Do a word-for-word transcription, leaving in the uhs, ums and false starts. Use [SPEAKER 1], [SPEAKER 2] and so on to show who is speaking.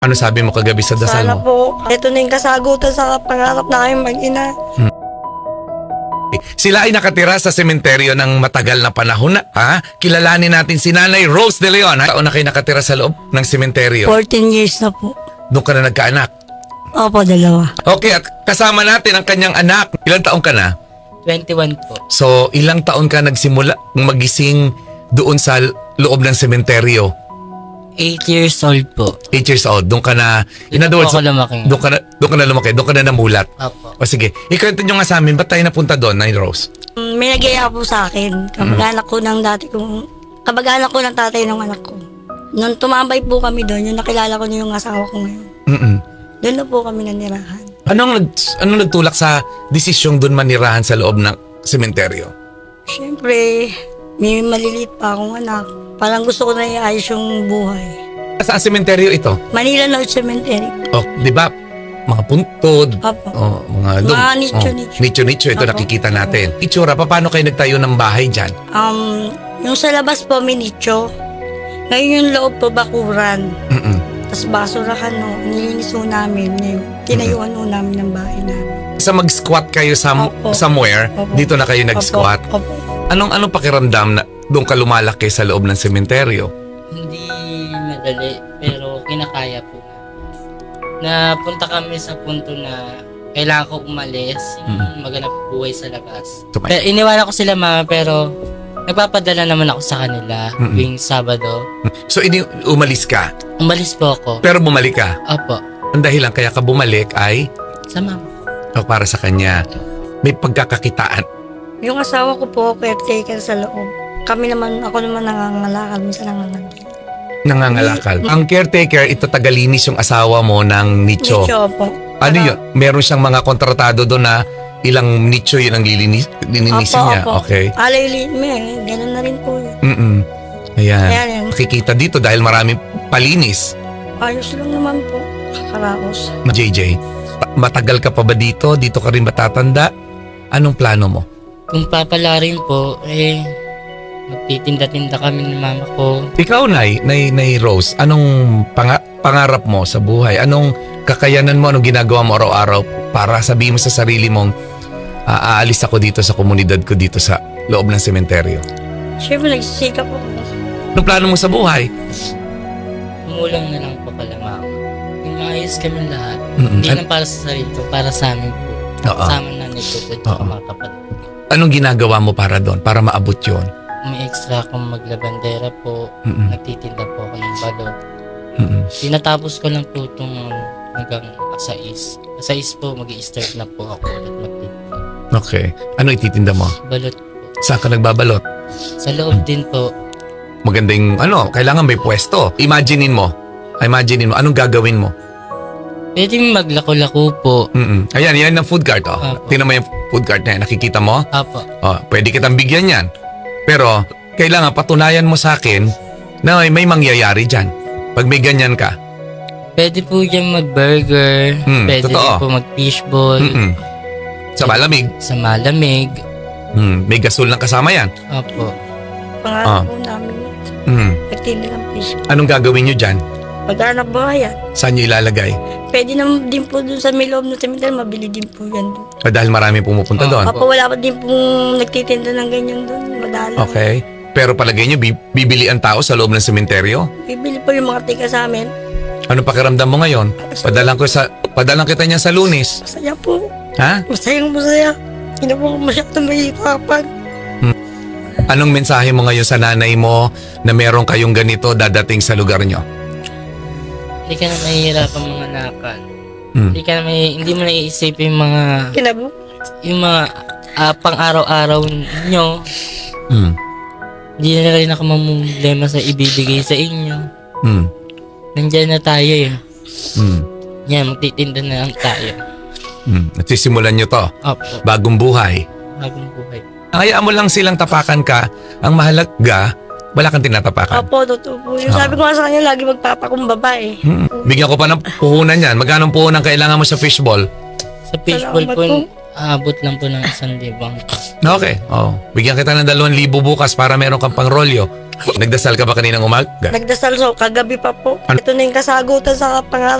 [SPEAKER 1] Ano sabi mo kagabi sa dasal
[SPEAKER 2] Sana
[SPEAKER 1] mo?
[SPEAKER 2] po, ito na yung kasagutan sa pangarap namin mag-ina.
[SPEAKER 1] Sila ay nakatira sa sementeryo ng matagal na panahon na. Ha? Kilalanin natin si Nanay Rose De Leon. Ha? Taon na kayo nakatira sa loob ng sementeryo.
[SPEAKER 2] fourteen years na po.
[SPEAKER 1] Doon ka na nagkaanak.
[SPEAKER 2] Opo, dalawa.
[SPEAKER 1] Okay, at kasama natin ang kanyang anak. Ilang taon ka na?
[SPEAKER 3] twenty-one po.
[SPEAKER 1] So, ilang taon ka nagsimula magising doon sa loob ng sementeryo?
[SPEAKER 3] eight years old po.
[SPEAKER 1] eight years old. Doon ka na... In
[SPEAKER 3] Dito
[SPEAKER 1] other
[SPEAKER 3] po
[SPEAKER 1] words,
[SPEAKER 3] ako lumaki.
[SPEAKER 1] doon ka na, doon ka na lumaki. Doon ka na namulat.
[SPEAKER 3] Opo.
[SPEAKER 1] O sige, ikwento nyo nga sa amin, ba't tayo napunta doon, Nanay Rose?
[SPEAKER 2] Mm, May nag-iaya po sa akin. Kamag-anak ko ng dati kong... Kamag-anak ko ng tatay ng anak ko. Nung tumambay po kami doon, yung nakilala ko na yung asawa ko ngayon.
[SPEAKER 1] Mm-mm.
[SPEAKER 2] Doon na po kami nanirahan.
[SPEAKER 1] Anong, nag, anong nagtulak sa desisyong doon manirahan sa loob ng sementeryo?
[SPEAKER 2] Siyempre, may maliliit pa akong anak. Parang gusto ko na iayos yung buhay.
[SPEAKER 1] Saan sementeryo ito?
[SPEAKER 2] Manila North Cemetery.
[SPEAKER 1] Oh, di ba? Mga puntod.
[SPEAKER 2] Opo.
[SPEAKER 1] Oh, mga lum-
[SPEAKER 2] Mga nicho-nicho.
[SPEAKER 1] Oh, nicho-nicho. Ito
[SPEAKER 2] Opo.
[SPEAKER 1] nakikita natin. Itsura, paano kayo nagtayo ng bahay dyan?
[SPEAKER 2] Um, yung sa labas po, may nicho. Ngayon yung loob po, bakuran.
[SPEAKER 1] Mm-mm.
[SPEAKER 2] Tapos basurahan, no, nilinis ho namin. Yung tinayuan ho namin ng bahay namin.
[SPEAKER 1] Sa mag-squat kayo some,
[SPEAKER 2] Opo.
[SPEAKER 1] somewhere,
[SPEAKER 2] Opo.
[SPEAKER 1] dito na kayo nag-squat.
[SPEAKER 2] Opo. Opo.
[SPEAKER 1] Anong anong pakiramdam na doon ka lumalaki sa loob ng sementeryo?
[SPEAKER 3] Hindi madali, pero kinakaya po. Napunta kami sa punto na kailangan ko umalis, yung maganap buhay sa labas.
[SPEAKER 1] So, may-
[SPEAKER 3] Pero iniwanan ko sila mama, pero nagpapadala naman ako sa kanila
[SPEAKER 1] Mm-mm.
[SPEAKER 3] tuwing Sabado.
[SPEAKER 1] So, ini umalis ka,
[SPEAKER 3] Umalis po ako.
[SPEAKER 1] pero bumalik ka.
[SPEAKER 3] Opo.
[SPEAKER 1] Ang dahilan kaya ka bumalik ay
[SPEAKER 3] Sa mama.
[SPEAKER 1] oh, para sa kanya. May pagkakakitaan.
[SPEAKER 2] Yung asawa ko po, caretaker sa loob. Kami naman, ako naman nangangalakal, minsan nangangalakal.
[SPEAKER 1] Nangangalakal. Ang caretaker, ito tagalinis yung asawa mo ng nicho.
[SPEAKER 2] Nicho po.
[SPEAKER 1] Ano yun? Meron siyang mga kontratado doon na ilang nicho yun ang lilinis, lilinisin
[SPEAKER 2] Opo,
[SPEAKER 1] niya.
[SPEAKER 2] opo.
[SPEAKER 1] Okay.
[SPEAKER 2] Alay, li- may, ganun na rin po yun.
[SPEAKER 1] Mm-mm. Ayan.
[SPEAKER 2] Ayan, yan.
[SPEAKER 1] Makikita dito dahil maraming palinis.
[SPEAKER 2] Ayos lang naman po. Kakaraos.
[SPEAKER 1] J J, pa- matagal ka pa ba dito? Dito ka rin matatanda? Anong plano mo?
[SPEAKER 3] Kung papala rin po, eh, magtitinda-tinda kami ng mama ko.
[SPEAKER 1] Ikaw, Nay, Nay, Nay Rose, anong panga- pangarap mo sa buhay? Anong kakayanan mo? Anong ginagawa mo araw-araw para sabihin mo sa sarili mong "Ah, aalis ako dito sa komunidad ko dito sa loob ng sementeryo"?
[SPEAKER 2] Siyempre, nagsisikap po.
[SPEAKER 1] Anong plano mo sa buhay?
[SPEAKER 3] Umulang na lang po kala mama. Yung maayos kami lahat.
[SPEAKER 1] Mm-mm.
[SPEAKER 3] Hindi
[SPEAKER 1] An-
[SPEAKER 3] lang para sa sarili ko, para sa amin po.
[SPEAKER 1] Oo.
[SPEAKER 3] Sa amin nanay ko po,
[SPEAKER 1] Oo.
[SPEAKER 3] at mga kapatid.
[SPEAKER 1] Anong ginagawa mo para doon? Para maabot yun?
[SPEAKER 3] May extra akong maglabandera po.
[SPEAKER 1] Mm-mm.
[SPEAKER 3] Nagtitinda po ako ng balot.
[SPEAKER 1] Mm-mm.
[SPEAKER 3] Tinatapos ko lang po itong hanggang sais. Sais po, mag-i-start na po ako ulit magtitinda.
[SPEAKER 1] Okay. Ano ititinda mo?
[SPEAKER 3] Balot po.
[SPEAKER 1] Saan ka nagbabalot?
[SPEAKER 3] Sa loob din po,
[SPEAKER 1] Magandang ano, kailangan may pwesto. Imaginein mo. Imaginein mo. Anong gagawin mo?
[SPEAKER 3] pwede maglako-lako po.
[SPEAKER 1] Mm-mm. Ayan, yan ang food cart. Oh.
[SPEAKER 3] Apo.
[SPEAKER 1] Tingnan mo yung food cart na yan. Nakikita mo?
[SPEAKER 3] Apo.
[SPEAKER 1] Oh, pwede kitang bigyan yan. Pero, kailangan patunayan mo sa akin na may, may mangyayari dyan. Pag may ganyan ka.
[SPEAKER 3] Pwede po dyan mag-burger.
[SPEAKER 1] Hmm,
[SPEAKER 3] pwede
[SPEAKER 1] totoo.
[SPEAKER 3] rin po mag-fishball.
[SPEAKER 1] Mm-mm. Sa malamig,
[SPEAKER 3] Sa malamig.
[SPEAKER 1] mm, may gasol lang kasama yan.
[SPEAKER 3] Opo.
[SPEAKER 2] Pangarap
[SPEAKER 1] Ah.
[SPEAKER 2] po namin.
[SPEAKER 1] Mm.
[SPEAKER 2] Nagtinda ng fish.
[SPEAKER 1] Anong gagawin nyo dyan?
[SPEAKER 2] Pag-anak buhay yan.
[SPEAKER 1] Saan nyo ilalagay?
[SPEAKER 2] Pwede naman din po doon sa may loob ng cemetery, mabili din po yan doon.
[SPEAKER 1] Ah, dahil marami pumupunta
[SPEAKER 3] Ah.
[SPEAKER 1] doon.
[SPEAKER 2] Papa, wala pa din pong nagtitinda ng ganyan doon. Madala.
[SPEAKER 1] Okay. Pero palagay nyo, bi- bibili ang tao sa loob ng sementeryo?
[SPEAKER 2] Bibili po yung mga tika sa amin.
[SPEAKER 1] Anong pakiramdam mo ngayon? Padalang ko sa padalang kita niya sa Lunes.
[SPEAKER 2] Masaya po.
[SPEAKER 1] Ha?
[SPEAKER 2] Masayang masaya. Hindi po ako masyadong mahihirapan.
[SPEAKER 1] Anong mensahe mo ngayon sa nanay mo na meron kayong ganito dadating sa lugar nyo?
[SPEAKER 3] Hindi ka na mahihirapan mga nakal.
[SPEAKER 1] Hmm.
[SPEAKER 3] Hindi ka na may, hindi mo naiisip yung mga,
[SPEAKER 2] Kinabo.
[SPEAKER 3] yung mga ah, pang-araw-araw nyo.
[SPEAKER 1] Hmm.
[SPEAKER 3] Hindi na rin ako mamumblema sa ibibigay sa inyo.
[SPEAKER 1] Hmm.
[SPEAKER 3] Nandyan na tayo eh.
[SPEAKER 1] Hmm.
[SPEAKER 3] Yan, magtitinda na lang tayo.
[SPEAKER 1] Hmm. At sisimulan nyo to.
[SPEAKER 3] Opo,
[SPEAKER 1] Bagong buhay.
[SPEAKER 3] habang buhay.
[SPEAKER 1] Hayaan mo lang silang tapakan ka. Ang mahalaga, wala kang tinatapakan.
[SPEAKER 2] Opo, totoo po. Yung
[SPEAKER 1] Ah.
[SPEAKER 2] sabi ko nga sa kanya, lagi magpapakumbaba eh.
[SPEAKER 1] Hmm. Bigyan ko pa ng puhunan yan. Magkano puhunan kailangan mo sa fishball?
[SPEAKER 3] Sa fishball
[SPEAKER 2] Salamat
[SPEAKER 3] po,
[SPEAKER 2] po.
[SPEAKER 3] aabot lang po ng isang libang.
[SPEAKER 1] Okay. Oh. Bigyan kita ng dalawang libo bukas para meron kang pangrolyo. Nagdasal ka ba kaninang umaga?
[SPEAKER 2] Nagdasal so, kagabi pa po.
[SPEAKER 1] Ano?
[SPEAKER 2] Ito na yung kasagutan sa pangarap